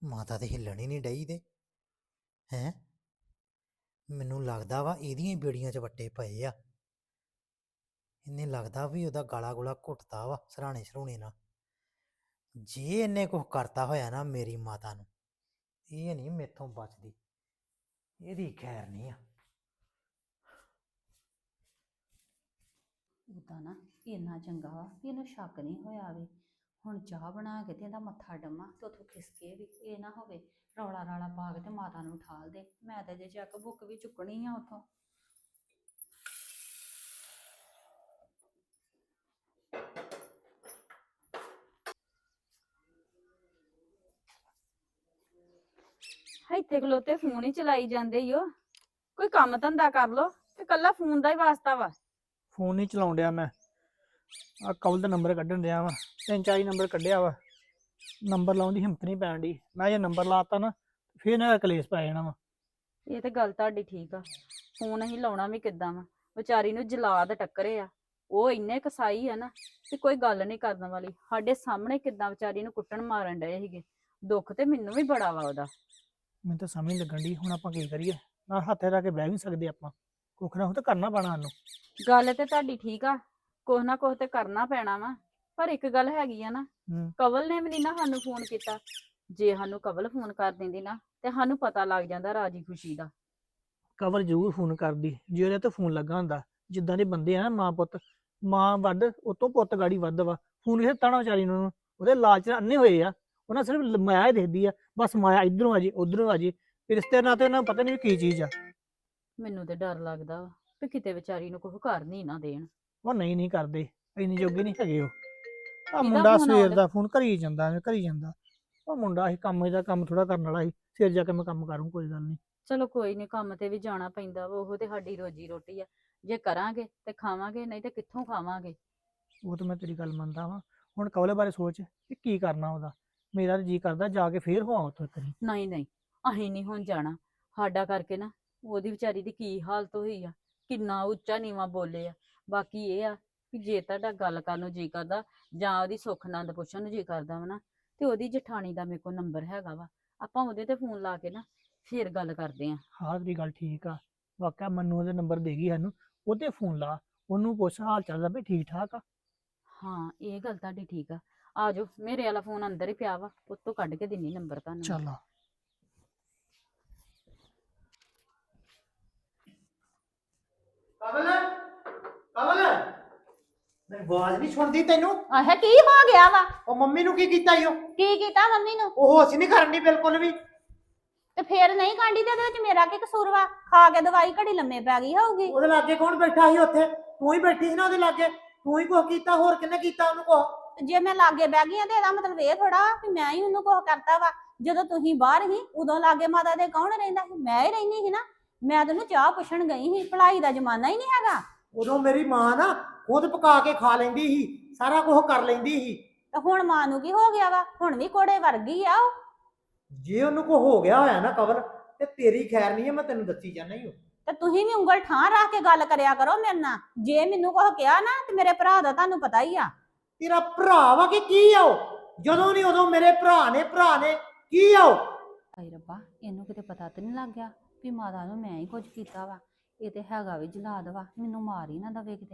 ਮਾਤਾ ਤੇ ਹਿੱਲਣ ਹੀ ਨਹੀਂ ਡਈ ਤੇ ਹੈਂ ਮੈਨੂੰ ਲੱਗਦਾ ਵਾ ਇਹਦੀਆਂ ਹੀ ਬੇੜੀਆਂ 'ਚ ਵੱਟੇ ਪਏ ਆ। ਇਹਨੇ ਲੱਗਦਾ ਵੀ ਉਹਦਾ ਗਾਲਾ ਗੁਲਾ ਘੁੱਟਦਾ ਵਾ ਸਰਾਣੇ ਸਰੂਣੇ ਨਾਲ। ਜੇ ਇਹਨੇ ਕੁਝ ਕਰਤਾ ਹੋਇਆ ਨਾ ਮੇਰੀ ਮਾਤਾ ਨੂੰ, ਇਹ ਨਹੀਂ ਮੇਥੋਂ ਬਚਦੀ, ਇਹਦੀ ਖੈਰ ਨਹੀਂ ਆ। ਉਦਾਂ ਨਾ ਇੰਨਾ ਚੰਗਾ ਵਾ ਵੀ ਇਹਨੂੰ ਸ਼ੱਕ ਨਹੀਂ ਹੋਇਆ ਵੇ। ਹੁਣ ਚਾਹ ਬਣਾ ਕੇ ਤੇ ਇਹਦਾ ਮੱਥਾ ਡੰਮਾ ਤੇ ਉੱਥੋਂ ਖਿਸਕੇ ਵੀ ਇਹ ਨਾ ਹੋਵੇ ਰੌਲਾ ਰਾਲਾ ਪਾ ਕੇ ਤੇ ਮਾਤਾ ਨੂੰ ਠਾਲ ਦੇ। ਮੈਂ ਤੇ ਜੇ ਚੱਕ ਬੁੱਕ ਵੀ ਚੁੱਕਣੀ ਆ ਉੱਥੋਂ। ਇੱਥੇ ਖਲੋਤੇ ਫੋਨ ਹੀ ਚਲਾਈ ਜਾਂਦੇ ਈ ਓ। ਕੋਈ ਕੰਮ ਧੰਦਾ ਕਰ ਲੋ ਤੇ ਕੱਲਾ ਫੋਨ ਦਾ ਹੀ ਵਾਸਤਾ ਵਾ। ਫੋਨ ਨਹੀਂ ਚਲਾਉਣ ਡਿਆ ਮੈਂ। ਆ ਕਵਲ ਦਾ ਨੰਬਰ ਕੱਢਣ ਡਿਆ ਵਾ, 3-4 ਨੰਬਰ ਕੱਢਿਆ ਵਾ। ਨੰਬਰ ਲਾਉਣ ਦੀ ਹਿੰਮਤ ਨਹੀਂ ਪੈਣ ਡਈ। ਮੈਂ ਜੇ ਨੰਬਰ ਲਾਤਾ ਨਾ ਫਿਰ ਨਾ ਕਲੇਸ਼ ਪੈ ਜਾਣਾ ਵਾ। ਇਹ ਤੇ ਗੱਲ ਤੁਹਾਡੀ ਠੀਕ ਆ। ਫੋਨ ਅਸੀਂ ਲਾਉਣਾ ਵੀ ਕਿੱਦਾਂ ਵਾ, ਵਿਚਾਰੀ ਨੂੰ ਜਲਾਦ ਟੱਕਰੇ ਆ। ਉਹ ਇੰਨੇ ਕਸਾਈ ਆ ਨਾ ਕਿ ਕੋਈ ਗੱਲ ਨਹੀਂ ਕਰਨ ਵਾਲੀ। ਸਾਡੇ ਸਾਹਮਣੇ ਕਿੱਦਾਂ ਵਿਚਾਰੀ ਨੂੰ ਕੁੱਟਣ ਮਾਰਨ ਡਏ ਸੀਗੇ। ਦੁੱਖ ਤੇ ਮੈਨੂੰ ਵੀ ਬੜਾ ਵਾ ਉਹਦਾ। ਮੈਨੂੰ ਤਾਂ ਸਮਝ ਨਹੀਂ ਲੱਗਣ ਡਈ ਹੁਣ ਆਪਾਂ ਕੀ ਕਰੀਏ। ਨਾ ਹੱਥੇ ਰੱਖ ਕੇ ਬਹਿ ਵੀ ਨੀ ਸਕਦੇ ਆਪਾਂ, ਕੁੱਖ ਨਾ ਕੁਛ ਤਾਂ ਕਰਨਾ ਪੈਣਾ ਸਾਨੂੰ। ਗੱਲ ਤੇ ਤੁਹਾਡੀ ਠੀਕ ਆ, ਕੁਛ ਨਾ ਕੁਛ ਤੇ ਕਰਨਾ ਪੈਣਾ ਵਾ। ਪਰ ਇੱਕ ਗੱਲ ਹੈਗੀ ਆ ਨਾ, ਕਵਲ ਨੇ ਵੀ ਨੀ ਨਾ ਸਾਨੂੰ ਫੋਨ ਕੀਤਾ। ਜੇ ਸਾਨੂੰ ਕਵਲ ਫੋਨ ਕਰ ਦਿੰਦੀ ਨਾ ਤੇ ਸਾਨੂੰ ਪਤਾ ਲੱਗ ਜਾਂਦਾ ਰਾਜੀ ਖੁਸ਼ੀ ਦਾ। ਕਵਲ ਜ਼ਰੂਰ ਫੋਨ ਕਰਦੀ ਜੇ ਉਹਦੇ ਤੇ ਫੋਨ ਲੱਗਾ ਹੁੰਦਾ। ਜਿੱਦਾਂ ਦੇ ਬੰਦੇ ਆ ਨਾ ਮਾਂ ਪੁੱਤ, ਮਾਂ ਵੱਧ ਉਤੋਂ ਪੁੱਤ ਗਾੜੀ ਵੱਧ ਵਾ। ਫੋਨ ਇਹ ਤਾਣਾ ਵਿਚਾਰੀ ਨੂੰ, ਉਹਦੇ ਲਾਲਚ ਨਾਲ ਅੰਨੇ ਹੋਏ ਆ। ਉਹਨਾਂ ਸਿਰਫ ਮਾਇਆ ਹੀ ਦੇਖਦੀ ਆ, ਬਸ ਮਾਇਆ ਇਧਰੋਂ ਆ ਜੇ ਉਧਰੋਂ ਆ ਜੇ। ਰਿਸ਼ਤੇ ਨਾਤੇ ਉਹਨਾਂ ਨੂੰ ਪਤਾ ਨਹੀਂ ਕੀ ਚੀਜ਼ ਆ। ਮੈਨੂੰ ਤੇ ਡਰ ਲੱਗਦਾ ਵਾ ਵੀ ਕਿਤੇ ਵਿਚਾਰੀ ਨੂੰ ਕੁਛ ਕਰ ਨਹੀਂ ਨਾ ਦੇਣ। ਉਹ ਨਹੀਂ ਕਰਦੇ, ਇੰਨੀ ਜੋਗੇ ਨਹੀਂ ਹੈਗੇ ਉਹ। ਆ ਕਿਹਦਾ ਮੁੰਡਾ ਫੋਨ ਸਵੇਰ ਆਉਂਦਾ? ਦਾ ਫੋਨ ਕਰੀ ਜਾਂਦਾ ਐਵੇਂ ਕਰੀ ਜਾਂਦਾ। ਉਹ ਮੁੰਡਾ ਇਹ ਕੰਮ ਇਹਦਾ ਕੰਮ ਥੋੜਾ ਕਰਨ ਵਾਲਾ ਸੀ। ਫਿਰ ਜਾ ਕੇ ਮੈਂ ਕੰਮ ਕਰੂੰ, ਕੋਈ ਗੱਲ ਨਹੀਂ। ਚਲੋ ਕੋਈ ਨਹੀਂ, ਕੰਮ ਤੇ ਵੀ ਜਾਣਾ ਪੈਂਦਾ ਵਾ। ਉਹ ਤੇ ਸਾਡੀ ਰੋਜੀ ਰੋਟੀ ਆ। ਜੇ ਕਰਾਂਗੇ ਤੇ ਖਾਵਾਂਗੇ, ਨਹੀਂ ਤੇ ਕਿੱਥੋਂ ਖਾਵਾਂਗੇ। ਉਹ ਤਾਂ ਮੈਂ ਤੇਰੀ ਗੱਲ ਮੰਨਦਾ ਵਾਂ। ਹੁਣ ਕਵਲੇ ਬਾਰੇ ਸੋਚ ਕਿ ਕੀ ਕਰਨਾ ਉਹਦਾ। ਮੇਰਾ ਤਾਂ ਜੀ ਕਰਦਾ ਜਾ ਕੇ ਫੇਰ ਹੋਵਾਂ ਉੱਥੋਂ ਇੱਕ ਵਾਰੀ। ਨਹੀਂ ਨਹੀਂ, ਅਸੀਂ ਨਹੀਂ ਹੁਣ ਜਾਣਾ। ਸਾਡਾ ਕਰਕੇ ਨਾ ਉਹਦੀ ਵਿਚਾਰੀ ਦੀ ਕੀ ਹਾਲਤ ਹੋਈ ਆ, ਕਿੰਨਾ ਉੱਚਾ ਨੀਵਾਂ ਬੋਲੇ ਆ। ਬਾਕੀ ਇਹ ਆ ਕਿ ਜੇ ਤੁਹਾਡਾ ਗੱਲ ਕਰਨ ਨੂੰ ਜੀ ਕਰਦਾ ਜਾਂ ਉਹਦੀ ਸੁੱਖ ਆਨੰਦ ਪੁੱਛਣ ਨੂੰ ਜੀ ਕਰਦਾ ਵਾ ਨਾ, ਤੇ ਉਹਦੀ ਜਠਾਣੀ ਦਾ ਮੇਰੇ ਕੋਲ ਨੰਬਰ ਹੈਗਾ ਵਾ। ਆਪਾਂ ਉਹਦੇ ਤੇ ਫੋਨ ਲਾ ਕੇ ਨਾ ਫੇਰ ਗੱਲ ਕਰਦੇ ਆਂ। ਹਾਂ ਤੇਰੀ ਗੱਲ ਠੀਕ ਆ। ਵਾਕਿਆ ਮੈਨੂੰ ਉਹਦੇ ਨੰਬਰ ਦੇ ਗਈ ਸਾਨੂੰ, ਉਹਦੇ ਫੋਨ ਲਾ, ਉਹਨੂੰ ਪੁੱਛ ਹਾਲ ਚਾਲ ਦਾ ਵੀ ਠੀਕ ਠਾਕ ਆ। ਹਾਂ ਇਹ ਗੱਲ ਤੁਹਾਡੀ ਠੀਕ ਆ। ਆ ਜਾਓ, ਮੇਰੇ ਵਾਲਾ ਫੋਨ ਅੰਦਰ ਹੀ ਪਿਆ ਵਾ, ਉੱਤੋਂ ਕੱਢ ਕੇ ਦਿੰਨੀ ਨੰਬਰ ਤੁਹਾਨੂੰ ਮੈਂ। ਚੱਲ ਆ। ਕਵਲ ਕਵਲ ਮੇਰੀ ਆਵਾਜ਼ ਨਹੀਂ ਸੁਣਦੀ ਤੈਨੂੰ? ਆਹ ਕੀ ਹੋ ਗਿਆ ਵਾ? ਉਹ ਮੰਮੀ ਨੂੰ ਕੀ ਕੀਤਾ ਈ? ਕੀ ਕੀਤਾ ਮੰਮੀ ਨੂੰ? ਉਹ ਅਸੀਂ ਨਹੀਂ ਕਰਨੀ ਬਿਲਕੁਲ ਵੀ। ਤੇ ਫੇਰ ਨਹੀਂ ਕਾਂਡੀ ਤੇ ਇਹਦੇ ਵਿੱਚ ਮੇਰਾ ਕੀ ਕਸੂਰ ਵਾ? ਖਾ ਕੇ ਦਵਾਈ ਘੜੀ ਲੰਮੇ ਪੈ ਗਈ ਹੋਊਗੀ। ਉਹਦੇ ਲਾਗੇ ਕੌਣ ਬੈਠਾ ਸੀ ਉੱਥੇ? ਤੂੰ ਹੀ ਬੈਠੀ ਸੀ ਨਾ ਉਹਦੇ ਲਾਗੇ। ਤੂੰ ਹੀ ਕੁਛ ਕੀਤਾ, ਹੋਰ ਕਿੰਨੇ ਕੀਤਾ ਉਹਨੂੰ ਕੁਛ? ਤੇ ਜੇ ਮੈਂ ਲਾਗੇ ਬਹਿ ਗਈ ਆ ਤੇ ਇਹਦਾ ਮਤਲਬ ਇਹ ਥੋੜਾ ਕਿ ਮੈਂ ਹੀ ਉਹਨੂੰ ਕੁਛ ਕਰਤਾ ਵਾ। ਜਦੋਂ ਤੁਸੀਂ ਬਾਹਰ ਸੀ ਉਦੋਂ ਲਾਗੇ ਮਾਤਾ ਦੇ ਕੌਣ ਰਹਿੰਦਾ ਸੀ? ਮੈਂ ਹੀ ਰਹਿੰਦੀ ਸੀ ਨਾ। ਮੈਂ ਤੈਨੂੰ ਚਾਹ ਪੁੱਛਣ ਗਈ ਸੀ, ਭਲਾਈ ਦਾ ਜ਼ਮਾਨਾ ਹੀ ਨਹੀਂ ਹੈਗਾ। ਉਦੋਂ ਮੇਰੀ ਮਾਂ ਨਾ ਖੁਦ ਪਕਾ ਕੇ ਖਾ ਲੈਂਦੀ ਸੀ, ਸਾਰਾ ਕੁਝ ਕਰ ਲੈਂਦੀ ਸੀ। ਤੇ ਹੁਣ ਮਾਂ ਨੂੰ ਕੀ ਹੋ ਗਿਆ ਵਾ? ਹੁਣ ਵੀ ਕੋੜੇ ਵਰਗੀ ਆ ਉਹ। ਜੇ ਉਹਨੂੰ ਕੋ ਹੋ ਗਿਆ ਹੋਇਆ ਨਾ ਕਵਲ, ਤੇ ਤੇਰੀ ਖੈਰ ਨਹੀਂ ਹੈ, ਮੈਂ ਤੈਨੂੰ ਦੱਸੀ ਜਾਣਾ ਹੀ। ਤੇ ਤੁਸੀਂ ਵੀ ਉਂਗਲ ਠਾਂ ਰੱਖ ਕੇ ਗੱਲ ਕਰਿਆ ਕਰੋ ਮੇਰੇ ਨਾਲ। ਜੇ ਮੈਨੂੰ ਕੁਛ ਕਿਹਾ ਨਾ ਤੇ ਮੇਰੇ ਭਰਾ ਦਾ ਤੁਹਾਨੂੰ ਪਤਾ ਹੀ ਆ। ਤੇਰਾ ਭਰਾ ਵਾ ਕਿ ਕੀ ਆ ਉਹ? ਜਦੋਂ ਨਹੀਂ ਉਦੋਂ ਮੇਰੇ ਭਰਾ ਨੇ ਕੀ ਆ ਉਹ? ਹਾਏ ਰੱਬਾ, ਇਹਨੂੰ ਕਿਤੇ ਪਤਾ ਤੇ ਨਹੀਂ ਲੱਗ ਗਿਆ ਵੀ ਮਾਤਾ ਨੂੰ ਮੈਂ ਹੀ ਕੁਝ ਕੀਤਾ ਵਾ। ਇਹ ਤੇ ਹੈਗਾ ਵੀ ਜਲਾਦ ਵਾ, ਮੈਨੂੰ ਮਾਰ ਹੀ ਨਾ ਦਵੇ ਕਿਤੇ।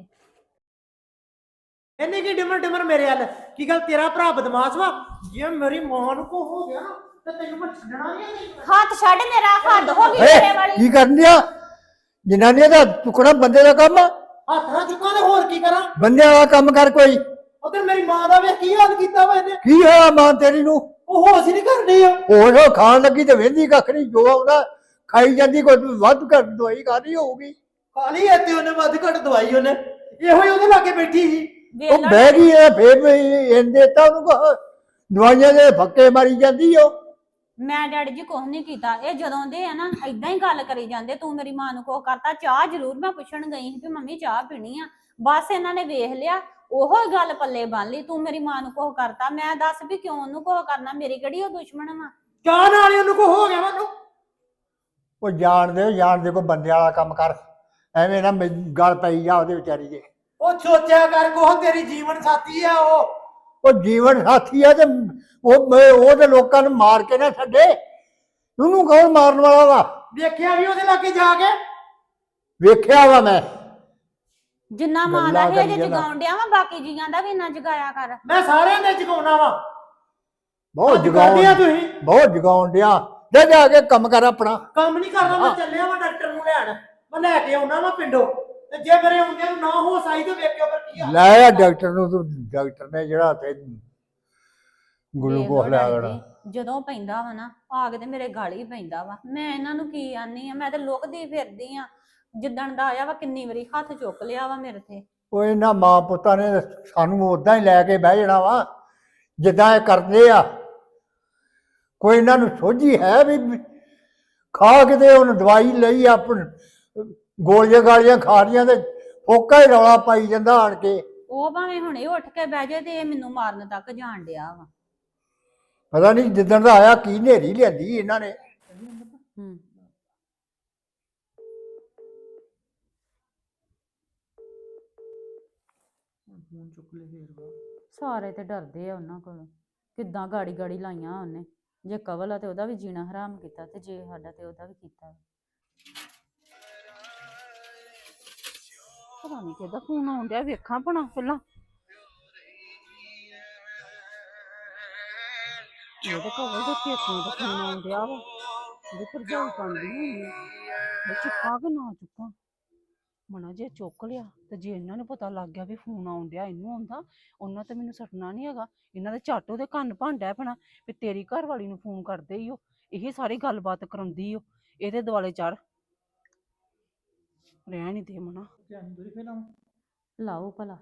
ਇਹਨੇ ਕੀ ਡਿਮਰ ਮੇਰੇ ਵੱਲ? ਕੀ ਗੱਲ ਤੇਰਾ ਭਰਾ ਬਦਮਾਸ਼ ਵਾ? ਜੇ ਮੇਰੀ ਮਾਂ ਨੂੰ ਕੋ ਹੋ ਗਿਆ ਨਾ ਤੇ ਤੈਨੂੰ ਮੈਂ ਛੱਡਣਾ ਨਹੀਂ। ਹੱਥ ਛੱਡ, ਮੇਰਾ ਹੱਦ ਹੋ ਗਈ ਤੇਰੇ ਵਾਲੀ। ਕੀ ਕਰਨ ਦਿਆ? ਜਨਾਨੀਆਂ ਦਾ ਚੁੱਕਣਾ ਬੰਦੇ ਦਾ ਕੰਮ ਆ। ਹੱਥ ਨਾਲ ਚੁੱਕਾਂ ਤੇ ਹੋਰ ਕੀ ਕਰਾਂ? ਬੰਦਿਆਂ ਵਾਲਾ ਕੰਮ ਕਰ ਕੋਈ। ਉਧਰ ਮੇਰੀ ਮਾਂ ਦਾ ਵੇਖ ਕੀ ਹਾਲ ਕੀਤਾ ਵਾ ਇਹਨੇ। ਕੀ ਹੋਇਆ ਮਾਂ ਤੇਰੀ ਨੂੰ? ਉਹ ਹੋਸ਼ ਹੀ ਨਹੀਂ ਕਰਨੀ ਆ। ਹੋਰ ਖਾਣ ਲੱਗੀ ਤੇ ਵਹਿੰਦੀ ਕੱਖ ਨਹੀਂ, ਜੋ ਆਉਂਦਾ ਖਾਈ ਜਾਂਦੀ। ਕੋਈ ਵੱਧ ਘੱਟ ਦਵਾਈ ਖਾਣੀ ਹੋਊਗੀ। ਖਾਲੀ ਇੱਥੇ ਉਹਨੇ ਵੱਧ ਘੱਟ ਦਵਾਈ ਉਹਨੇ ਇਹੋ ਹੀ ਉਹਦੇ ਲਾਗੇ ਬੈਠੀ ਸੀ। ਉਹ ਬਹਿ ਗਈ ਐ ਫੇਰ ਇਹਦੇ ਤਾਂ ਉਹਨੂੰ ਦਵਾਈਆਂ ਦੇ ਫੱਕੇ ਮਾਰੀ ਜਾਂਦੀ ਉਹ। ਮੈਂ ਡੈਡੀ ਜੀ ਕੁਛ ਨਹੀਂ ਕੀਤਾ। ਇਹ ਜਦੋਂ ਦੇ ਆ ਨਾ ਏਦਾਂ ਹੀ ਗੱਲ ਕਰੀ ਜਾਂਦੇ, ਤੂੰ ਮੇਰੀ ਮਾਂ ਨੂੰ ਕੁਛ ਕਰਤਾ। ਚਾਹ ਜ਼ਰੂਰ ਮੈਂ ਪੁੱਛਣ ਗਈ ਸੀ ਵੀ ਮੰਮੀ ਚਾਹ ਪੀਣੀ ਆ, ਬਸ ਇਹਨਾਂ ਨੇ ਵੇਖ ਲਿਆ ਉਹੋ ਹੀ ਗੱਲ ਪੱਲੇ ਬੰਨ ਲਈ। ਤੂੰ ਮੇਰੀ ਮਾਂ ਨੂੰ ਕੁਛ ਕਰਤਾ, ਮੈਂ ਦੱਸ ਵੀ ਕਿਉਂ ਉਹਨੂੰ ਕੁਛ ਕਰਨਾ? ਮੇਰੀ ਕਿਹੜੀ ਉਹ ਦੁਸ਼ਮਣ ਵਾ? ਚਾਹ ਨਾਲ ਹੀ ਉਹਨੂੰ ਕੋ ਹੋ ਗਿਆ ਮੈਨੂੰ। ਉਹ ਜਾਣਦੇ ਕੋਈ ਬੰਦੇ ਵਾਲਾ ਕੰਮ ਕਰ। ਐਵੇਂ ਨਾ ਗੱਲ ਪਈ ਜਾ ਉਹਦੇ ਵਿਚਾਰੀ ਦੇ। ਉਹ ਸੋਚਿਆ ਕਰ ਕੋਹ ਤੇਰੀ ਜੀਵਨ ਸਾਥੀ ਆ ਉਹ। ਉਹ ਜੀਵਨ ਸਾਥੀ ਆ ਤੇ ਉਹ ਤੇ ਲੋਕਾਂ ਨੂੰ ਮਾਰ ਕੇ ਨਾ ਛੱਡੇ। ਉਹਨੂੰ ਕੌਣ ਮਾਰਨ ਵਾਲਾ ਵਾ? ਵੇਖਿਆ ਵੀ ਉਹਦੇ ਲਾਗੇ ਜਾ ਕੇ। ਵੇਖਿਆ ਵਾ ਮੈਂ। ਜਿੰਨਾ ਮਾਂ ਦਾ ਗੱਲਾਂ ਹੇਜ ਕਰੀ ਜਾਂਦਾ। ਜਗਾਉਣ ਡਿਆ ਵਾ ਬਾਕੀ ਜੀਆਂ ਦਾ ਵੀ ਇੰਨਾ ਜਗਾਇਆ ਕਰ। ਮੈਂ ਸਾਰਿਆਂ ਦੇ ਜਗਾਉਣਾ ਵਾ। ਬਹੁਤ ਅੱਜ ਕਰਦੇ ਆ ਜਗਾਉਣ ਤੁਸੀਂ। ਬਹੁਤ ਜਗਾਉਣ ਡਿਆ। ਜਾ ਕੇ ਕੰਮ ਕਰ ਆਪਣਾ। ਕੰਮ ਨਹੀਂ ਕਰਨਾ। ਮੈਂ ਹਾਂ। ਚੱਲਿਆ ਵਾ ਡਾਕਟਰ ਨੂੰ ਲੈਣ। ਮੈਂ ਲੈ ਕੇ ਆਉਣਾ ਵਾ ਪਿੰਡੋਂ। ਤੇ ਜੇ ਮੇਰੇ ਆਉਂਦਿਆਂ ਨੂੰ ਨਾ ਹੋਸ ਆਈ ਤੇ ਵੇਖਿਓ ਫਿਰ ਕੀ ਆ। ਲੈ ਆ ਡਾਕਟਰ ਨੂੰ ਤੂੰ। ਡਾਕਟਰ ਨੇ ਜਿਹੜਾ ਤੇ ਗਲੂਕੋਸ ਵੇਖ ਲਓ ਲਿਆ ਡੈਡੀ ਦੇਣਾ। ਜੀ, ਜਦੋਂ ਪੈਂਦਾ ਵਾ ਨਾ ਆ ਕੇ ਤੇ ਮੇਰੇ ਗਲ ਹੀ ਪੈਂਦਾ ਵਾ। ਮੈਂ ਇਹਨਾਂ ਨੂੰ ਕੀ ਆਨੀ ਆ, ਮੈਂ ਤੇ ਲੁਕਦੀ ਫਿਰਦੀ ਆ। ਜਿੱਦਣ ਦਾ ਆਇਆ ਵਾ ਕਿੰਨੀ ਵਾਰੀ ਹੱਥ ਚੁੱਕ ਲਿਆ ਵਾ ਮੇਰੇ ਤੇ। ਉਹ ਇਹਨਾਂ ਮਾਂ ਪੁੱਤਾਂ ਨੇ ਸਾਨੂੰ ਉਦਾਂ ਹੀ ਲੈ ਕੇ ਬਹਿ ਜਾਣਾ ਵਾ ਜਿੱਦਾਂ ਇਹ ਕਰਦੇ ਆ। ਕੋਈ ਇਹਨਾਂ ਨੂੰ ਸੋਝੀ ਹੈ ਵੀ ਖਾ ਕੇ ਤੇ ਉਹਨੂੰ ਦਵਾਈ ਲਈ ਆਪਣ ਗੋਲੀਆਂ ਗਾਲੀਆਂ ਖਾ ਰਹੀਆਂ ਤੇ ਫੋਕਾ ਹੀ ਰੌਲਾ ਪਾਈ ਜਾਂਦਾ ਆਣ ਕੇ। ਉਹ ਭਾਵੇਂ ਹੁਣੇ ਉੱਠ ਕੇ ਬਹਿ ਜਾਏ ਤੇ ਇਹ ਮੈਨੂੰ ਮਾਰਨ ਤੱਕ ਜਾਣ ਡਿਆ ਵਾ। ਪਤਾ ਨਹੀਂ ਜਿੱਦਣ ਦਾ ਆਇਆ ਕੀ ਨੇਰੀ ਲਿਆਂਦੀ ਇਹਨਾਂ ਨੇ। ਹੂੰ ਫੋਨ ਚੁੱਕ ਲੈ ਫੇਰ। ਸਾਰੇ ਤੇ ਡਰਦੇ ਆ ਉਹਨਾਂ ਕੋਲੋਂ। ਕਿੱਦਾਂ ਗਾੜੀ ਗਾੜੀ ਲਾਈਆਂ ਉਹਨੇ। ਜੇ ਕਵਲ ਆ ਤੇ ਉਹਦਾ ਵੀ ਜੀਣਾ ਹਰਾਮ ਕੀਤਾ ਤੇ ਜੇ ਸਾਡਾ ਤੇ ਉਹਦਾ ਵੀ ਕੀਤਾ। ਪਤਾ ਨਹੀਂ ਕਿਹਦਾ ਫੋਨ ਆਉਣ ਡਿਆ, ਵੇਖਾਂ ਭਣਾ ਪਹਿਲਾਂ। ਇਹ ਤਾਂ ਕਵਲ ਦੇ ਪੇਕਿਆਂ ਦਾ ਫੋਨ ਆਉਣ ਡਿਆ ਵਾ। ਉਹਦੀ ਭਰਜਾਈ ਪਾਉਂਦੀ ਹੋਣੀ ਆ। ਮੈਂ ਚੁੱਕਾਂ ਕਿ ਨਾ ਚੁੱਕਾਂ। ਮਣਾ ਜੇ ਚੁੱਕ ਲਿਆ ਤੇ ਜੇ ਇਹਨਾਂ ਨੂੰ ਪਤਾ ਲੱਗ ਗਿਆ ਵੀ ਫੋਨ ਆਉਣ ਡਿਆ ਇਹਨੂੰ ਆਉਂਦਾ, ਉਹਨਾਂ ਤੇ ਮੈਨੂੰ ਸੱਟਣਾ ਨਹੀਂ ਹੈਗਾ। ਇਹਨਾਂ ਦੇ ਝੱਟ ਉਹਦੇ ਕੰਨ ਭਾਂਡਾ ਪੈਣਾ ਵੀ ਤੇਰੀ ਘਰ ਵਾਲੀ ਨੂੰ ਫੋਨ ਕਰਦੇ ਹੀ ਉਹ, ਇਹ ਸਾਰੀ ਗੱਲਬਾਤ ਕਰਾਉਂਦੀ ਉਹ, ਇਹਦੇ ਦੁਆਲੇ ਚੜ। ਰਹਿ ਨਹੀਂ ਦੇ ਮਣਾ। ਧਿਆਨ ਦੂਰੀ ਫੇਰ ਲਾਵਾਂ। ਲਾਓ ਭਲਾ।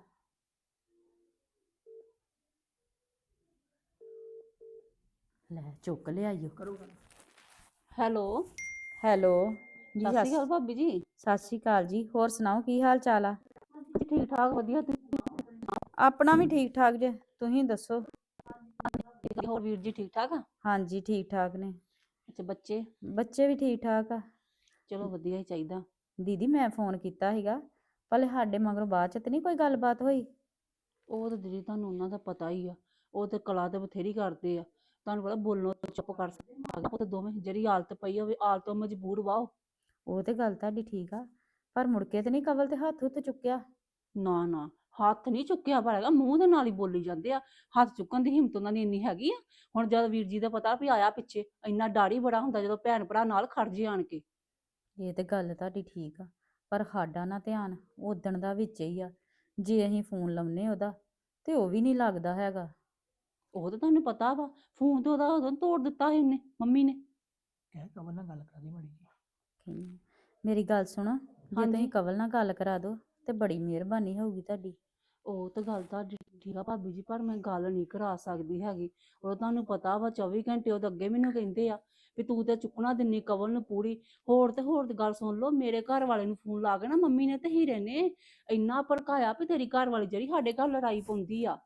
ਲੈ ਚੁੱਕ ਲਿਆਈਓ। ਕਰੋ ਗੱਲ। ਹੈਲੋ ਹੈਲੋ ਜੀ। ਸਤਿ ਸ਼੍ਰੀ ਅਕਾਲ ਭਾਬੀ ਜੀ। ਸਤਿ ਸ਼੍ਰੀ ਅਕਾਲ ਜੀ। ਹੋਰ ਸੁਣਾਓ ਕੀ ਹਾਲ ਚਾਲ ਆ? ਠੀਕ ਠਾਕ ਵਧੀਆ। ਆਪਣਾ ਵੀ ਠੀਕ ਠਾਕ ਜੇ, ਤੁਸੀਂ ਦੱਸੋ? ਤੁਸੀਂ ਹੋਰ ਵੀਰ ਜੀ ਠੀਕ ਠਾਕ ਆ? ਹਾਂਜੀ ਠੀਕ ਠਾਕ ਨੇ। ਅੱਛਾ ਬੱਚੇ? ਬੱਚੇ ਵੀ ਠੀਕ ਠਾਕ ਆ। ਚਲੋ ਵਧੀਆ ਹੀ ਚਾਹੀਦਾ। ਦੀਦੀ ਮੈਂ ਫੋਨ ਕੀਤਾ ਸੀਗਾ, ਭਲੇ ਸਾਡੇ ਮਗਰੋਂ ਬਾਅਦ ਚ ਤੇ ਨਹੀਂ ਕੋਈ ਗੱਲਬਾਤ ਹੋਈ? ਉਹ ਤਾਂ ਦੀਦੀ ਤੁਹਾਨੂੰ ਉਹਨਾਂ ਦਾ ਪਤਾ ਹੀ ਆ। ਉਹ ਤੇ ਕਲਾ ਤੇ ਬਥੇਰੀ ਕਰਦੇ ਆ। ਤੁਹਾਨੂੰ ਪਤਾ ਬੋਲਣੋਂ ਚੁੱਪ ਕਰ ਸਕਦੇ। ਉਹ ਤੇ ਦੋਵੇਂ ਜਿਹੜੀ ਹਾਲਤ ਪਈ ਹੋਵੇ ਹਾਲਤ ਤੋਂ ਮਜਬੂਰ ਵਾਓ। ਉਹ ਤੇ ਗੱਲ ਤੁਹਾਡੀ ਠੀਕ ਆ, ਪਰ ਮੁੜ ਕੇ ਤੇ ਨਹੀਂ ਕਵਲ ਤੇ ਹੱਥ ਹੁੱਥ ਚੁੱਕਿਆ? ਨਾ ਨਾ ਹੱਥ ਨਹੀਂ ਚੁੱਕਿਆ ਪਰ ਹੈਗਾ, ਮੂੰਹ ਦੇ ਨਾਲ ਹੀ ਬੋਲੀ ਜਾਂਦੇ ਆ। ਹੱਥ ਚੁੱਕਣ ਦੀ ਹਿੰਮਤ ਉਹਨਾਂ ਦੀ ਇੰਨੀ ਹੈਗੀ ਆ। ਹੁਣ ਜਦ ਵੀਰ ਜੀ ਦਾ ਪਤਾ ਵੀ ਆਇਆ ਪਿੱਛੇ, ਇੰਨਾ ਡਰ ਹੀ ਬੜਾ ਹੁੰਦਾ ਜਦੋਂ ਭੈਣ ਭਰਾ ਨਾਲ ਖੜ ਜੇ ਆਣ ਕੇ। ਇਹ ਤੇ ਗੱਲ ਤੁਹਾਡੀ ਠੀਕ ਆ, ਪਰ ਸਾਡਾ ਨਾ ਧਿਆਨ ਉਦਣ ਦਾ ਵਿੱਚ ਹੀ ਆ। ਜੇ ਅਸੀਂ ਫੋਨ ਲਾਉਨੇ ਉਹਦਾ ਤੇ ਉਹ ਵੀ ਨਹੀਂ ਲੱਗਦਾ ਹੈਗਾ। ਉਹ ਤਾਂ ਤੁਹਾਨੂੰ ਪਤਾ ਵਾ, ਫੋਨ ਤੇ ਉਹਦਾ ਉਦੋਂ ਤੋੜ ਦਿੱਤਾ ਸੀ ਉਹਨੇ, ਮੰਮੀ ਨੇ। ਕਹਿ ਕਵਲ ਨਾਲ ਗੱਲ ਕਰਾ ਦੀ ਮਾੜੀ ਜੀ। ਕਹਿੰਦੀ, ਮੇਰੀ ਗੱਲ ਸੁਣੋ, ਜੇ ਹਾਂਜੀ। ਤੁਸੀਂ ਕਵਲ ਨਾਲ ਗੱਲ ਕਰਾ ਦਿਓ ਤੇ ਬੜੀ ਮਿਹਰਬਾਨੀ ਹੋਊਗੀ ਤੁਹਾਡੀ। ਉਹ ਤਾਂ ਗੱਲ ਤੁਹਾਡੀ ਠੀਕ ਆ ਭਾਬੀ ਜੀ, ਪਰ ਮੈਂ ਗੱਲ ਨਹੀਂ ਕਰਾ ਸਕਦੀ ਹੈਗੀ। ਉਹ ਤੁਹਾਨੂੰ ਪਤਾ ਵਾ 24 ਘੰਟੇ ਉਹਦੇ ਅੱਗੇ ਮੈਨੂੰ ਕਹਿੰਦੇ ਆ ਵੀ ਤੂੰ ਤੇ ਚੁੱਕਣਾ ਦਿੰਨੀ ਕਵਲ ਨੂੰ ਪੂਰੀ। ਹੋਰ ਤੇ ਹੋਰ ਤੇ ਗੱਲ ਸੁਣ ਲਓ, ਮੇਰੇ ਘਰ ਵਾਲੇ ਨੂੰ ਫੋਨ ਲਾ ਕੇ ਨਾ ਮੰਮੀ ਨੇ ਤੇ ਹੀਰੇ ਨੇ ਇੰਨਾ ਭੜਕਾਇਆ ਵੀ ਤੇਰੀ ਘਰ ਵਾਲੀ ਜਿਹੜੀ ਸਾਡੇ ਘਰ ਲੜਾਈ ਪਾਉਂਦੀ ਆ।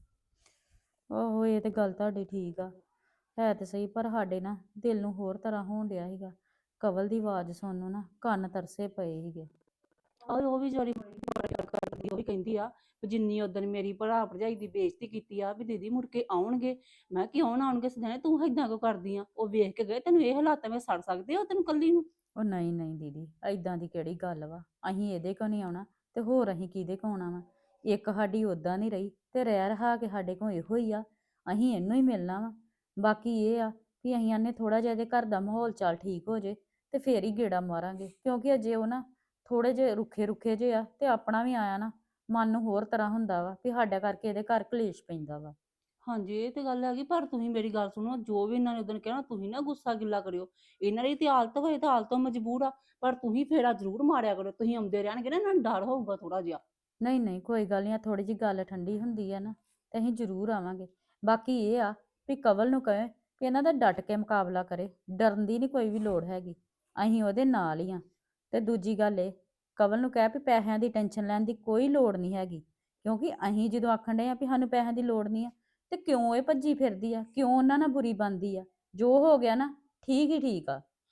ਆਹੋ ਇਹ ਤੇ ਗੱਲ ਤੁਹਾਡੀ ਠੀਕ ਆ, ਹੈ ਤੇ ਸਹੀ, ਪਰ ਸਾਡੇ ਨਾ ਦਿਲ ਨੂੰ ਹੋਰ ਤਰ੍ਹਾਂ ਹੋਣ ਡਿਆ ਸੀਗਾ। ਕਵਲ ਦੀ ਆਵਾਜ਼ ਸੁਣਨ ਨੂੰ ਨਾ ਕੰਨ ਤਰਸੇ ਪਏ ਸੀਗੇ। ਉਹ ਵੀ ਜਿਹੜੀ ਕਰਦੀ ਉਹ ਵੀ ਕਹਿੰਦੀ ਆ ਵੀ ਜਿੰਨੀ ਉਦੋਂ ਮੇਰੀ ਭਰਾ ਭਰਜਾਈ ਦੀ ਬੇਇੱਜ਼ਤੀ ਕੀਤੀ ਆ ਵੀ ਦੀਦੀ ਮੁੜ ਕੇ ਆਉਣਗੇ। ਮੈਂ ਕਿਉਂ ਨਾ ਆਉਣਗੇ ਸਦਣੇ, ਤੂੰ ਏਦਾਂ ਕਿਉਂ ਕਰਦੀ ਆ? ਉਹ ਵੇਖ ਕੇ ਗਏ, ਤੈਨੂੰ ਇਹ ਹਾਲਾਤਾਂ ਵਿੱਚ ਸੜ ਸਕਦੇ ਹੋ ਤੈਨੂੰ ਕੱਲੀ ਨੂੰ? ਉਹ ਨਹੀਂ ਨਹੀਂ ਦੀਦੀ, ਐਦਾਂ ਦੀ ਕਿਹੜੀ ਗੱਲ ਵਾ। ਅਸੀਂ ਇਹਦੇ ਕੋ ਨਹੀਂ ਆਉਣਾ ਤੇ ਹੋਰ ਅਸੀਂ ਕਿਹਦੇ ਕੋ ਆਉਣਾ ਵਾ? ਇੱਕ ਸਾਡੀ ਉਦਾਂ ਨਹੀਂ ਰਹੀ ਤੇ ਰਹਿ ਰਹਾ ਕੇ ਸਾਡੇ ਕੋਲ ਇਹੋ ਹੀ ਆ। ਅਸੀਂ ਇਹਨੂੰ ਹੀ ਮਿਲਣਾ ਵਾ। ਬਾਕੀ ਇਹ ਆ ਕਿ ਅਸੀਂ ਆਨੇ ਥੋੜਾ ਜਿਹਾ ਇਹਦੇ ਘਰ ਦਾ ਮਾਹੌਲ ਚਾਲ ਠੀਕ ਹੋ ਜੇ ਤੇ ਫੇਰ ਹੀ ਗੇੜਾ ਮਾਰਾਂਗੇ, ਕਿਉਂਕਿ ਅਜੇ ਉਹ ਨਾ ਥੋੜੇ ਜਿਹੇ ਰੁੱਖੇ ਰੁੱਖੇ ਜਿਹੇ ਆ ਤੇ ਆਪਣਾ ਵੀ ਆਇਆ ਨਾ ਮਨ ਨੂੰ ਹੋਰ ਤਰ੍ਹਾਂ ਹੁੰਦਾ ਵਾ ਵੀ ਸਾਡਾ ਕਰਕੇ ਇਹਦੇ ਘਰ ਕਲੇਸ਼ ਪੈਂਦਾ ਵਾ। ਹਾਂਜੀ ਇਹ ਤੇ ਗੱਲ ਹੈਗੀ, ਪਰ ਤੁਸੀਂ ਮੇਰੀ ਗੱਲ ਸੁਣੋ, ਜੋ ਵੀ ਇਹਨਾਂ ਨੇ ਉਦੋਂ ਕਹਿਣਾ ਤੁਸੀਂ ਨਾ ਗੁੱਸਾ ਗਿੱਲਾ ਕਰਿਓ। ਇਹਨਾਂ ਦੀ ਤੇ ਹਾਲਤ ਹੋਏ ਤਾਂ ਹਾਲਤੋਂ ਮਜਬੂਰ ਆ, ਪਰ ਤੁਸੀਂ ਫੇਰਾ ਜ਼ਰੂਰ ਮਾਰਿਆ ਕਰੋ। ਤੁਸੀਂ ਆਉਂਦੇ ਰਹਿਣਗੇ ਨਾ, ਇਹਨਾਂ ਨੂੰ ਡਰ ਹੋਊਗਾ ਥੋੜਾ ਜਿਹਾ। ਨਹੀਂ ਨਹੀਂ ਕੋਈ ਗੱਲ ਨਹੀਂ, ਥੋੜੀ ਜਿਹੀ ਗੱਲ ਠੰਡੀ ਹੁੰਦੀ ਆ ਨਾ ਤੇ ਅਸੀਂ ਜ਼ਰੂਰ ਆਵਾਂਗੇ। ਬਾਕੀ ਇਹ ਆ ਵੀ ਕਵਲ ਨੂੰ ਕਹੇ ਕਿ ਇਹਨਾਂ ਦਾ ਡਟ ਕੇ ਮੁਕਾਬਲਾ ਕਰੇ, ਡਰਨ ਦੀ ਨਹੀਂ ਕੋਈ ਵੀ ਲੋੜ ਹੈਗੀ, ਅਸੀਂ ਉਹਦੇ ਨਾਲ ਹੀ ਆ। ਤੇ ਦੂਜੀ ਗੱਲ ਇਹ, ਕਵਲ ਨੂੰ ਕਹਿ ਵੀ ਪੈਸਿਆਂ ਦੀ ਟੈਨਸ਼ਨ ਲੈਣ ਦੀ ਕੋਈ ਲੋੜ ਨਹੀਂ ਹੈਗੀ, ਕਿਉਂਕਿ ਅਸੀਂ ਜਦੋਂ ਆਖਣ ਡਏ ਆ ਵੀ ਸਾਨੂੰ ਪੈਸਿਆਂ ਦੀ ਲੋੜ ਨਹੀਂ ਆ ਤੇ ਕਿਉਂ ਇਹ ਭੱਜੀ ਫਿਰਦੀ ਆ, ਕਿਉਂ ਉਹਨਾਂ ਨਾਲ ਬੁਰੀ ਬਣਦੀ ਆ? ਜੋ ਹੋ ਗਿਆ ਨਾ ਠੀਕ ਹੀ ਠੀਕ ਆ।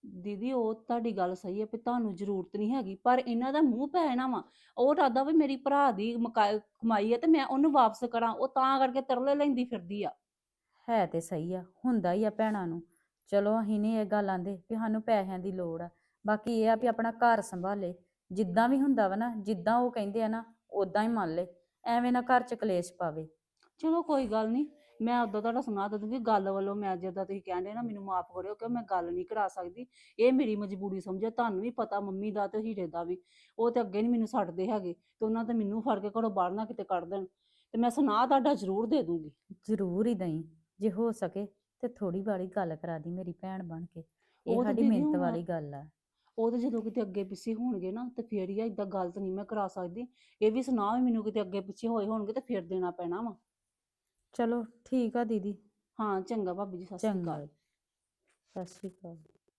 ਦੀਦੀ ਉਹ ਤੁਹਾਡੀ ਗੱਲ ਸਹੀ ਹੈ ਵੀ ਤੁਹਾਨੂੰ ਜ਼ਰੂਰਤ ਨਹੀਂ ਹੈਗੀ, ਪਰ ਇਹਨਾਂ ਦਾ ਮੂੰਹ ਪੈਣਾ ਵਾ। ਉਹ ਇਰਾਦਾ ਵੀ ਮੇਰੀ ਭਰਾ ਦੀ ਕਮਾਈ ਹੈ ਤੇ ਮੈਂ ਉਹਨੂੰ ਵਾਪਸ ਕਰਾਂ, ਉਹ ਤਾਂ ਕਰਕੇ ਤਰਲੇ ਲੈਂਦੀ ਫਿਰਦੀ ਆ। ਹੈ ਤੇ ਸਹੀ ਆ, ਹੁੰਦਾ ਹੀ ਆ ਭੈਣਾਂ ਨੂੰ। ਚਲੋ ਅਸੀਂ ਨਹੀਂ ਇਹ ਗੱਲ ਆਂਦੇ ਕਿ ਸਾਨੂੰ ਪੈਸਿਆਂ ਦੀ ਲੋੜ ਆ, ਬਾਕੀ ਇਹ ਆ ਵੀ ਆਪਣਾ ਘਰ ਸੰਭਾਲੇ। ਜਿੱਦਾਂ ਵੀ ਹੁੰਦਾ ਵਾ ਨਾ, ਜਿੱਦਾਂ ਉਹ ਕਹਿੰਦੇ ਆ ਨਾ ਉਦਾਂ ਹੀ ਮੰਨ ਲੈ, ਐਵੇਂ ਨਾ ਘਰ ਚ ਕਲੇਸ਼ ਪਾਵੇ। ਚਲੋ ਕੋਈ ਗੱਲ ਨਹੀਂ, ਮੈਂ ਉਦੋਂ ਤੁਹਾਡਾ ਸੁਣਾ ਦੇ ਦੂੰਗੀ। ਗੱਲ ਵੱਲੋਂ ਮੈਂ ਜਿੱਦਾਂ ਤੁਸੀਂ ਕਹਿੰਦੇ ਨਾ ਮੈਨੂੰ ਮਾਫ ਕਰਿਓ ਕਿ ਮੈਂ ਗੱਲ ਨਹੀਂ ਕਰਾ ਸਕਦੀ, ਇਹ ਮੇਰੀ ਮਜਬੂਰੀ ਸਮਝੋ। ਤੁਹਾਨੂੰ ਵੀ ਪਤਾ ਮੰਮੀ ਦਾ ਤੇ ਹੀਰੇ ਦਾ ਵੀ, ਉਹ ਤੇ ਅੱਗੇ ਨਹੀਂ ਮੈਨੂੰ ਛੱਡਦੇ ਹੈਗੇ ਤੇ ਉਹਨਾਂ ਤੇ ਮੈਨੂੰ ਫੜ ਕੇ ਘਰੋਂ ਬਾਹਰ ਨਾ ਕਿਤੇ ਕੱਢ ਦੇਣ, ਤੇ ਮੈਂ ਸੁਣਾ ਤੁਹਾਡਾ ਜ਼ਰੂਰ ਦੇ ਦੂੰਗੀ। ਜ਼ਰੂਰ ਹੀ ਦਈ, ਜੇ ਹੋ ਸਕੇ ਤੇ ਥੋੜੀ ਬਾੜੀ ਗੱਲ ਕਰਾ ਦੀ ਮੇਰੀ ਭੈਣ ਬਣ ਕੇ। ਇਹ ਉਹ ਤੇ ਸਾਡੀ ਦੀਦੀ ਮਿਹਨਤ ਹੁਣ ਵਾਲੀ ਗੱਲ ਆ। ਉਹ ਤੇ ਜਦੋਂ ਕਿਤੇ ਅੱਗੇ ਪਿੱਛੇ ਹੋਣਗੇ ਨਾ ਤੇ ਫੇਰ ਹੀ ਆ, ਏਦਾਂ ਗੱਲ ਤਾਂ ਨਹੀਂ ਮੈਂ ਕਰਾ ਸਕਦੀ। ਇਹ ਵੀ ਸੁਣਾ ਵੀ ਮੈਨੂੰ ਕਿਤੇ ਅੱਗੇ ਪਿੱਛੇ ਹੋਏ ਹੋਣਗੇ ਤੇ ਫੇਰ ਦੇਣਾ ਪੈਣਾ ਵਾ। ਚਲੋ ਠੀਕ ਆ ਦੀਦੀ। ਹਾਂ ਚੰਗਾ ਭਾਬੀ ਜੀ, ਸਤਿ ਸ਼੍ਰੀ ਚੰਗਾ, ਅਕਾਲ। ਸਤਿ ਸ਼੍ਰੀ ਅਕਾਲ।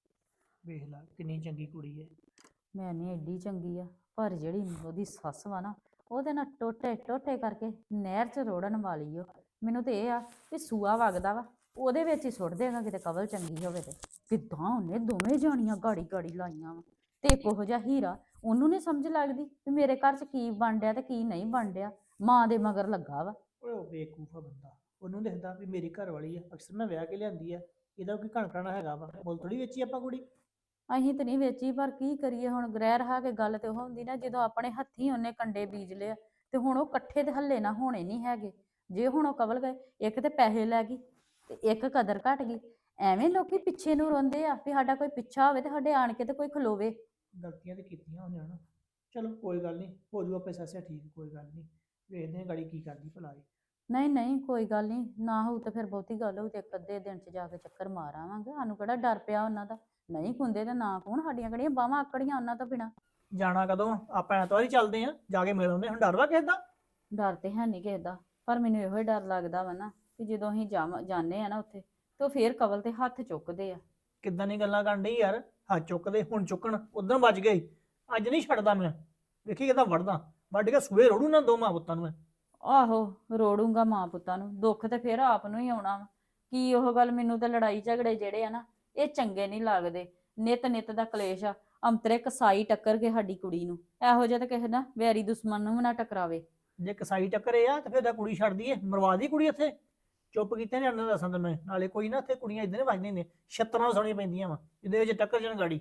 ਵੇਖ ਲਾ ਕਿੰਨੀ ਚੰਗੀ ਕੁੜੀ ਹੈ। ਮੈਂ ਨਹੀਂ ਐਡੀ ਚੰਗੀ ਆ, ਪਰ ਜਿਹੜੀ ਉਹਦੀ ਸੱਸ ਵਾ ਨਾ, ਉਹਦੇ ਨਾਲ ਟੋਟੇ ਟੋਟੇ ਕਰਕੇ ਨਹਿਰ 'ਚ ਰੋੜਨ ਵਾਲੀ ਓ। ਮੈਨੂੰ ਤੇ ਇਹ ਆ ਕਿ ਸੂਆ ਵਗਦਾ ਵਾ ਉਹਦੇ ਵਿੱਚ ਹੀ ਸੁੱਟ ਦੇਗਾ, ਕਿਤੇ ਕਵਲ ਚੰਗੀ ਹੋਵੇ ਤੇ। ਕਿੱਦਾਂ ਉਹਨੇ ਦੋਵੇਂ ਜਾਣੀਆਂ ਗਾੜੀ ਗਾੜੀ ਲਾਈਆਂ ਵਾ, ਤੇ ਇੱਕ ਉਹੋ ਜਿਹਾ ਹੀਰਾ, ਉਹਨੂੰ ਨਹੀਂ ਸਮਝ ਲੱਗਦੀ ਵੀ ਮੇਰੇ ਘਰ 'ਚ ਕੀ ਬਣ ਡਿਆ ਤੇ ਕੀ ਨਹੀਂ ਬਣ ਡਿਆ। ਮਾਂ ਦੇ ਮਗਰ ਲੱਗਾ ਵਾ। ਓਏ ਉਹ ਬੇਵਕੂਫ ਆ ਬੰਦਾ, ਉਹਨੂੰ ਦੇਖਦਾ ਵੀ ਮੇਰੀ ਘਰ ਵਾਲੀ ਆ, ਅਕਸਰ ਮੈਂ ਵਿਆਹ ਕੇ ਲਿਆਂਦੀ ਆ, ਇਹਦਾ ਕੋਈ ਘਣਕਣਾ ਹੈਗਾ ਵਾ, ਮੁੱਲ ਥੋੜੀ ਵੇਚੀ ਆਪਾਂ ਕੁੜੀ। ਅਸੀਂ ਤੇ ਨਹੀਂ ਵੇਚੀ, ਪਰ ਕੀ ਕਰੀਏ ਹੁਣ, ਗ੍ਰਹਿ ਰਹਾ ਕੇ ਗੱਲ ਤੇ ਉਹ ਹੁੰਦੀ ਨਾ, ਜਦੋਂ ਆਪਣੇ ਹੱਥੀਂ ਉਹਨੇ ਕੰਡੇ ਬੀਜ ਲਿਆ ਤੇ ਹੁਣ ਉਹ ਇਕੱਠੇ ਤੇ ਹੱਲੇ ਨਾ ਹੋਣੇ ਨਹੀਂ ਹੈਗੇ। ਜੇ ਹੁਣ ਉਹ ਕਵਲ ਗਏ, ਇੱਕ ਤੇ ਪੈਸੇ ਲੈ ਗਈ ਤੇ ਇੱਕ ਕਦਰ ਘਟ ਗਈ। ਐਵੇਂ ਲੋਕੀ ਪਿੱਛੇ ਨੂੰ ਰੋਂਦੇ ਆ ਵੀ ਸਾਡਾ ਕੋਈ ਪਿੱਛਾ ਹੋਵੇ ਤੇ ਸਾਡੇ ਆਣ ਕੇ ਤੇ ਕੋਈ ਖਲੋਵੇ। ਗਲਤੀਆਂ ਤੇ ਕੀਤੀਆਂ ਉਹਨੇ ਹਨਾ। ਚਲੋ ਕੋਈ ਗੱਲ ਨਹੀਂ, ਹੋ ਜੂ ਆਪੇ ਸੱਸਿਆ ਠੀਕ, ਕੋਈ ਗੱਲ ਨਹੀਂ, ਵੇਖਦੇ ਹਾਂ ਗਾੜੀ ਕੀ ਕਰਦੀ ਭਲਾ ਇਹ। ਨਹੀਂ ਨਹੀਂ ਕੋਈ ਗੱਲ ਨਹੀਂ, ਨਾ ਹੋਊ ਤੇ ਫਿਰ ਬਹੁਤੀ ਗੱਲ ਹੋਊ ਤੇ ਇੱਕ ਅੱਧੇ ਦਿਨ ਚ ਜਾ ਕੇ ਚੱਕਰ ਮਾਰ ਆਵਾਂਗੇ। ਸਾਨੂੰ ਕਿਹੜਾ ਡਰ ਪਿਆ ਉਹਨਾਂ ਦਾ, ਨਹੀਂ ਹੁੰਦੇ ਤੇ ਨਾ ਹੋਣ, ਸਾਡੀਆਂ ਕਿਹੜੀਆਂ ਬਾਹਾਂ ਆਕੜੀਆਂ ਉਹਨਾਂ ਤੋਂ ਬਿਨਾ। ਜਾਣਾ ਕਦੋਂ? ਆਪਾਂ ਐਤਵਾਰ ਹੀ ਚੱਲਦੇ ਆ, ਜਾ ਕੇ ਮਿਲ ਆਉਂਦੇ। ਹੁਣ ਡਰ ਵਾ ਕਿਸੇ ਦਾ? ਡਰ ਤੇ ਹੈ ਨਹੀਂ ਕਿਸੇ ਦਾ, ਪਰ ਮੈਨੂੰ ਇਹੋ ਹੀ ਡਰ ਲੱਗਦਾ ਵਾ ਨਾ ਕਿ ਜਦੋਂ ਅਸੀਂ ਜਾਂਦੇ ਆ ਨਾ ਉੱਥੇ ਤੇ ਉਹ ਫੇਰ ਕਵਲ ਤੇ ਹੱਥ ਚੁੱਕਦੇ ਆ। ਕਿੱਦਾਂ ਦੀ ਗੱਲਾਂ ਕਰਨ ਡਈ ਯਾਰ? ਹੱਥ ਚੁੱਕਦੇ ਹੁਣ ਚੁੱਕਣ, ਉਦੋਂ ਵੱਜ ਗਏ, ਅੱਜ ਨਹੀਂ ਛੱਡਦਾ ਮੈਂ। ਵੇਖੀ ਕਿਦਾਂ ਵੜਦਾ, ਵੱਢ ਕੇ ਸੂਏ ਰੋੜੂ ਨਾ ਦੋਵਾਂ ਪੁੱਤਾਂ ਨੂੰ ਮੈਂ। ਆਹੋ, ਰੋੜੂੰਗਾ ਮਾਂ ਪੁੱਤਾਂ ਨੂੰ, ਦੁੱਖ ਤੇ ਫਿਰ ਆਪ ਨੂੰ ਹੀ ਆਉਣਾ ਵਾ। ਕੀ ਉਹ ਗੱਲ, ਮੈਨੂੰ ਤਾਂ ਲੜਾਈ ਝਗੜੇ ਜਿਹੜੇ ਆ ਨਾ ਇਹ ਚੰਗੇ ਨਹੀਂ ਲੱਗਦੇ। ਨਿਤ ਨਿਤ ਦਾ ਕਲੇਸ਼ ਆ। ਅੰਤਰੇ ਕਸਾਈ ਟੱਕਰ ਕੇ ਸਾਡੀ ਕੁੜੀ ਨੂੰ, ਇਹੋ ਜਿਹਾ ਤਾਂ ਕਿਸੇ ਨਾ ਵੈਰੀ ਦੁਸ਼ਮਣ ਨੂੰ ਵੀ ਨਾ ਟਕਰਾਵੇ। ਜੇ ਕਸਾਈ ਟੱਕਰੇ ਆ ਤੇ ਫਿਰ ਤਾਂ ਕੁੜੀ ਛੱਡ ਦਈਏ, ਮਰਵਾ ਦੀ ਕੁੜੀ ਇੱਥੇ। ਚੁੱਪ ਕੀਤੇ ਨੇ ਅੰਦਰ ਦੱਸਾਂ ਤੇ ਮੈਂ ਨਾਲੇ, ਕੋਈ ਨਾ ਇੱਥੇ ਕੁੜੀਆਂ ਇਦਾਂ ਵੱਜਦੀਆਂ ਨੇ, ਛੱਤਰਾਂ ਸੁਣੀਆਂ ਪੈਂਦੀਆਂ ਵਾ ਜਿਹਦੇ ਵਿੱਚ ਟੱਕਰ ਜਾਣ ਗਾੜੀ।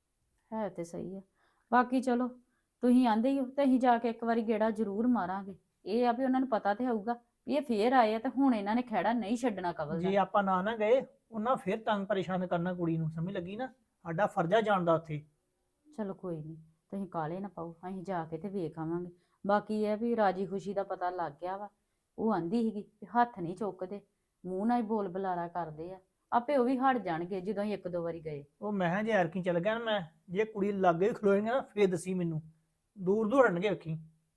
ਹੈ ਤੇ ਸਹੀ ਆ। ਬਾਕੀ ਚਲੋ ਤੁਸੀਂ ਆਂਦੇ ਹੀ ਹੋ ਤੇ ਅਸੀਂ ਜਾ ਕੇ ਇੱਕ ਵਾਰੀ ਗੇੜਾ ਜ਼ਰੂਰ ਮਾਰਾਂਗੇ। ਇਹ ਆ ਵੀ ਉਹਨਾਂ ਨੂੰ ਪਤਾ ਤੇ ਹੋਊਗਾ ਵੀ ਇਹ ਫੇਰ ਆਏ ਆ ਤੇ ਹੁਣ ਇਹਨਾਂ ਨੇ ਖਹਿੜਾ ਨਹੀਂ ਛੱਡਣਾ ਕਵਲ ਜੇ ਦਾ। ਆਪਾਂ ਨਾ ਗਏ, ਉਹਨਾਂ ਫਿਰ ਤੰਗ ਪਰੇਸ਼ਾਨ ਕਰਨਾ ਕੁੜੀ ਨੂੰ, ਸਮਝ ਲੱਗੀ ਨਾ? ਸਾਡਾ ਫਰਜ਼ ਆ ਜਾਣ ਦਾ ਉੱਥੇ। ਚਲੋ ਕੋਈ ਨਹੀਂ, ਤੁਸੀਂ ਕਾਹਲੇ ਨਾ ਪਾਓ, ਅਸੀਂ ਜਾ ਕੇ ਤੇ ਵੇਖ ਆਵਾਂਗੇ। ਬਾਕੀ ਇਹ ਵੀ ਰਾਜੀ ਖੁਸ਼ੀ ਦਾ ਪਤਾ ਲੱਗ ਗਿਆ ਵਾ। ਉਹ ਆਂਦੀ ਸੀਗੀ ਵੀ ਹੱਥ ਨਹੀਂ ਚੁੱਕਦੇ, ਮੂੰਹ ਨਾਲ ਹੀ ਬੋਲ ਬੁਲਾਰਾ ਕਰਦੇ ਆ, ਆਪੇ ਉਹ ਵੀ ਹਟ ਜਾਣਗੇ ਜਦੋਂ ਅਸੀਂ ਇੱਕ ਦੋ ਵਾਰੀ ਗਏ। ਉਹ ਮੈਂ ਕਿਹਾ ਜੇ ਐਰਕੀ ਚੱਲ ਗਿਆ ਨਾ ਮੈਂ, ਜੇ ਕੁੜੀ ਲਾਗੇ ਖਲੋਏਗਾ ਨਾ ਫੇਰ ਦੱਸੀ ਮੈਨੂੰ, ਦੂਰ ਦੂਰ ਹਟਣਗੇ ਵੇਖੀ।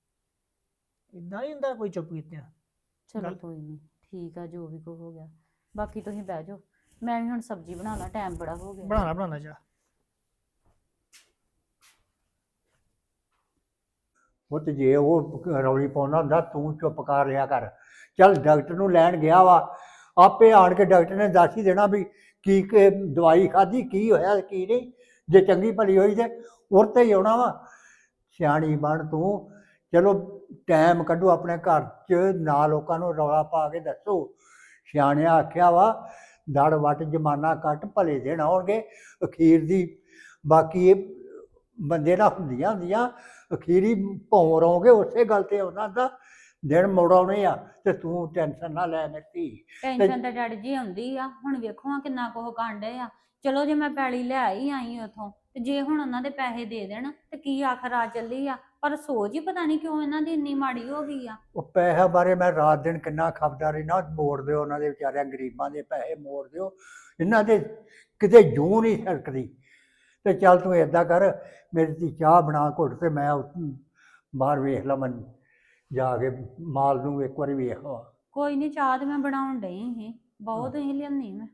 ਇਦਾਂ ਹੀ ਹੁੰਦਾ ਕੋਈ ਚੁੱਪ ਕੀਤਿਆਂ। ਚਲੋ ਗੱਲ- ਕੋਈ ਨਹੀਂ, ਠੀਕ ਆ, ਜੋ ਵੀ ਕੋ ਹੋ ਗਿਆ। ਬਾਕੀ ਤੁਸੀਂ ਬਹਿ ਜਾਓ, ਮੈਂ ਵੀ ਹੁਣ ਸਬਜ਼ੀ ਬਣਾ ਲਾਂ, ਟਾਈਮ ਬੜਾ ਹੋ ਗਿਆ। ਬਣਾਉਣਾ ਜਾ। ਉਹ ਤੇ ਜੇ ਉਹ ਰੌਲੀ ਪਾਉਂਦਾ ਹੁੰਦਾ, ਤੂੰ ਚੁੱਪ ਕਰ ਰਿਹਾ ਕਰ। ਚੱਲ ਡਾਕਟਰ ਨੂੰ ਲੈਣ ਗਿਆ ਵਾ, ਆਪੇ ਆਣ ਕੇ ਡਾਕਟਰ ਨੇ ਦੱਸ ਹੀ ਦੇਣਾ ਵੀ ਕੀ ਦਵਾਈ ਖਾਧੀ, ਕੀ ਹੋਇਆ ਕੀ ਨਹੀਂ। ਜੇ ਚੰਗੀ ਭਲੀ ਹੋਈ ਤੇ ਉਹ ਤੇ ਹੀ ਆਉਣਾ ਵਾ। ਸਿਆਣੀ ਬਣ ਤੂੰ। ਚਲੋ ਟਾਈਮ ਕੱਢੋ ਆਪਣੇ ਘਰ 'ਚ, ਨਾ ਲੋਕਾਂ ਨੂੰ ਰੌਲਾ ਪਾ ਕੇ ਦੱਸੋ। ਸਿਆਣਿਆਂ ਆਖਿਆ ਵਾ, ਦੜ ਵੱਟ ਜਮਾਨਾ ਕੱਟ, ਭਲੇ ਦਿਨ ਆਉਣਗੇ ਅਖੀਰ ਦੀ। ਬਾਕੀ ਇਹ ਬੰਦੇ ਨਾਲ ਹੁੰਦੀਆਂ ਅਖੀਰੀ ਭੌਂ ਰਹੋਗੇ, ਉਸੇ ਗੱਲ ਤੇ ਉਹਨਾਂ ਦਾ ਦਿਨ ਮੁੜ ਆਉਣੇ ਆ। ਤੇ ਤੂੰ ਟੈਨਸ਼ਨ ਨਾ ਲੈ ਮੇਰੀ ਧੀ। ਟੈਨਸ਼ਨ ਤਾਂ ਡੈਡੀ ਜੀ ਆਉਂਦੀ ਆ, ਹੁਣ ਵੇਖੋ ਆ ਕਿੰਨਾ ਕੁਝ ਕਾਂਡੇ ਆ। ਚਲੋ ਜੇ ਮੈਂ ਪੈਲੀ ਲੈ ਹੀ ਆਈ ਉਥੋਂ, ਤੇ ਜੇ ਹੁਣ ਉਹਨਾਂ ਦੇ ਪੈਸੇ ਦੇ ਦੇਣ ਤੇ ਕੀ ਆਖਰ ਆ ਚੱਲੀ ਆ। ਪਰ ਸੋਚ ਹੀ ਪਤਾ ਨਹੀਂ ਕਿਉਂ ਇਹਨਾਂ ਦੀ ਇੰਨੀ ਮਾੜੀ ਹੋ ਗਈ ਆ। ਉਹ ਪੈਸੇ ਬਾਰੇ ਮੈਂ ਰਾਤ ਦਿਨ ਕਿੰਨਾ ਖਪਦਾ ਰਹਿਣਾ, ਮੋੜ ਦਿਓ ਉਹਨਾਂ ਦੇ ਵਿਚਾਰਿਆਂ ਗਰੀਬਾਂ ਦੇ ਪੈਸੇ ਮੋੜ ਦਿਓ। ਇਹਨਾਂ ਦੇ ਕਿਤੇ ਜੂੰ ਨਹੀਂ ਸਰਕਦੀ। ਤੇ ਚੱਲ ਤੂੰ ਏਦਾਂ ਕਰ, ਮੇਰੀ ਧੀ ਚਾਹ ਬਣਾ ਘੁੱਟ, ਤੇ ਮੈਂ ਬਾਹਰ ਵੇਖ ਲਵਾਂ, ਜਾ ਕੇ ਮਾਲ ਨੂੰ ਇੱਕ ਵਾਰੀ ਵੇਖ ਲਵਾਂ। ਕੋਈ ਨਹੀਂ, ਚਾਹ ਤੇ ਮੈਂ ਬਣਾਉਣ ਡਈ ਸੀ, ਬਹੁਤ ਹੀ ਲਿਆਉਣੀ ਮੈਂ।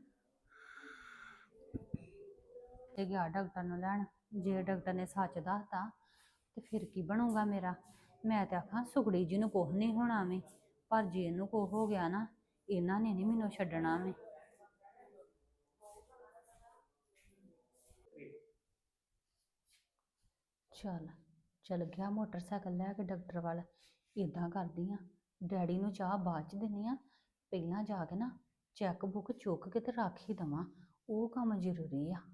ਤੇ ਗਿਆ ਡਾਕਟਰ ਨੂੰ ਲੈਣ, ਜੇ ਡਾਕਟਰ ਨੇ ਸੱਚ ਦੱਸਤਾ ਤੇ ਫਿਰ ਕੀ ਬਣੂਗਾ ਮੇਰਾ। ਮੈਂ ਤੇ ਆਖਾਂ ਸੁਗੜੀ ਜੀ ਨੂੰ ਕੁਛ ਨਹੀਂ ਹੋਣਾ ਵੇ, ਪਰ ਜੇ ਇਹਨੂੰ ਕੁਛ ਹੋ ਗਿਆ ਨਾ, ਇਹਨਾਂ ਨੇ ਨਹੀਂ ਮੈਨੂੰ ਛੱਡਣਾ ਵੇ। ਚੱਲ ਗਿਆ ਮੋਟਰਸਾਈਕਲ ਲੈ ਕੇ ਡਾਕਟਰ ਵੱਲ। ਇਦਾਂ ਕਰਦੀ ਆ, ਡੈਡੀ ਨੂੰ ਚਾਹ ਬਾਅਦ ਚ ਦਿੰਨੀ ਆ, ਪਹਿਲਾਂ ਜਾ ਕੇ ਨਾ ਚੈੱਕ ਬੁੱਕ ਚੁੱਕ ਕੇ ਤੇ ਰੱਖ ਹੀ ਦਵਾਂ, ਉਹ ਕੰਮ ਜ਼ਰੂਰੀ ਆ।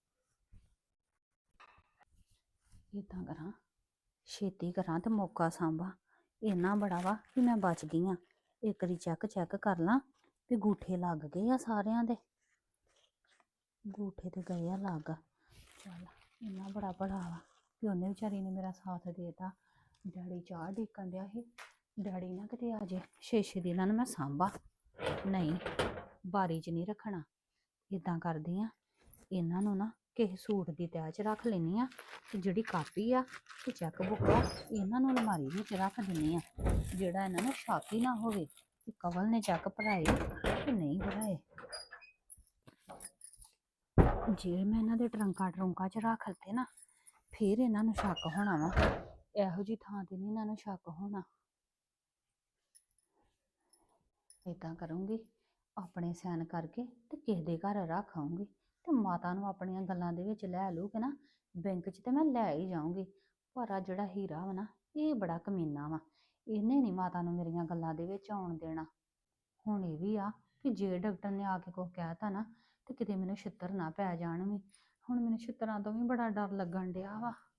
ਇਦਾਂ ਕਰਾਂ, ਛੇਤੀ ਕਰਾਂ ਤੇ ਮੌਕਾ ਸਾਂਭਾਂ। ਇੰਨਾ ਬੜਾ ਵਾ ਕਿ ਮੈਂ ਬਚ ਗਈ ਆ। ਇੱਕ ਵਾਰੀ ਚੈੱਕ ਕਰ ਲਾਂ ਵੀ ਗੂਠੇ ਲੱਗ ਗਏ ਆ ਸਾਰਿਆਂ ਦੇ। ਗੂਠੇ ਤੇ ਗਏ ਆ ਲੱਗ। ਚੱਲ ਇੰਨਾ ਬੜਾ ਵਾ ਕਿ ਉਹਨੇ ਵਿਚਾਰੀ ਨੇ ਮੇਰਾ ਸਾਥ ਦੇਤਾ। ਡੈਡੀ ਚਾਹ ਢੀਕਣ ਡਿਆ ਸੀ, ਡੈਡੀ ਨਾ ਕਿਤੇ ਆ ਜੇ, ਛੇ ਦੀ ਇਹਨਾਂ ਨੂੰ ਮੈਂ ਸਾਂਭਾ। ਨਹੀਂ, ਬਾਰੀ 'ਚ ਨਹੀਂ ਰੱਖਣਾ। ਇਦਾਂ ਕਰਦੀ ਆ, ਇਹਨਾਂ ਨੂੰ ਨਾ ਕਿਸੇ ਸੂਟ ਦੀ ਤਹਿ 'ਚ ਰੱਖ ਲੈਂਦੀ ਆ, ਤੇ ਜਿਹੜੀ ਕਾਪੀ ਆ ਤੇ ਚੈੱਕ ਬੁੱਕ ਆ ਇਹਨਾਂ ਨੂੰ ਅਲਮਾਰੀ ਵਿੱਚ ਰੱਖ ਦਿੰਦੀ ਆ, ਜਿਹੜਾ ਇਹਨਾਂ ਨੂੰ ਸ਼ੱਕ ਹੀ ਨਾ ਹੋਵੇ ਕਿ ਕਵਲ ਨੇ ਚੈੱਕ ਭਰਾਏ ਕਿ ਨਹੀਂ ਭਰਾਏ। ਜੇ ਮੈਂ ਇਹਨਾਂ ਦੇ ਟਰੰਕਾਂ 'ਚ ਰੱਖ ਲਤੇ ਨਾ, ਫਿਰ ਇਹਨਾਂ ਨੂੰ ਸ਼ੱਕ ਹੋਣਾ ਵਾ। ਇਹੋ ਜਿਹੀ ਥਾਂ ਤੇ ਨਹੀਂ ਇਹਨਾਂ ਨੂੰ ਸ਼ੱਕ ਹੋਣਾ। ਏਦਾਂ ਕਰੂੰਗੀ, ਆਪਣੇ ਸਾਈਨ ਕਰਕੇ ਤੇ ਕਿਸੇ ਦੇ ਘਰ ਰੱਖ ਆਊਂਗੀ, ਤੇ ਮਾਤਾ ਨੂੰ ਆਪਣੀਆਂ ਗੱਲਾਂ ਦੇ ਵਿੱਚ ਲੈ ਲੂਗੇ ਨਾ, ਬੈਂਕ 'ਚ ਤੇ ਮੈਂ ਲੈ ਹੀ ਜਾਊਂਗੀ। ਪਰ ਆ ਜਿਹੜਾ ਹੀਰਾ ਵਾ ਨਾ, ਇਹ ਬੜਾ ਕਮੀਨਾ ਵਾ, ਇਹਨੇ ਨਹੀਂ ਮਾਤਾ ਨੂੰ ਮੇਰੀਆਂ ਗੱਲਾਂ ਦੇ ਵਿੱਚ ਆਉਣ ਦੇਣਾ। ਹੁਣ ਇਹ ਵੀ ਆ ਕਿ ਜੇ ਡਾਕਟਰ ਨੇ ਆ ਕੇ ਕੁਛ ਕਹਿਤਾ ਨਾ, ਤੇ ਕਿਤੇ ਮੈਨੂੰ ਛਿੱਤਰ ਨਾ ਪੈ ਜਾਣ ਵੀ। ਹੁਣ ਮੈਨੂੰ ਛਿੱਤਰਾਂ ਤੋਂ ਵੀ ਬੜਾ ਡਰ ਲੱਗਣ ਡਿਆ ਵਾ।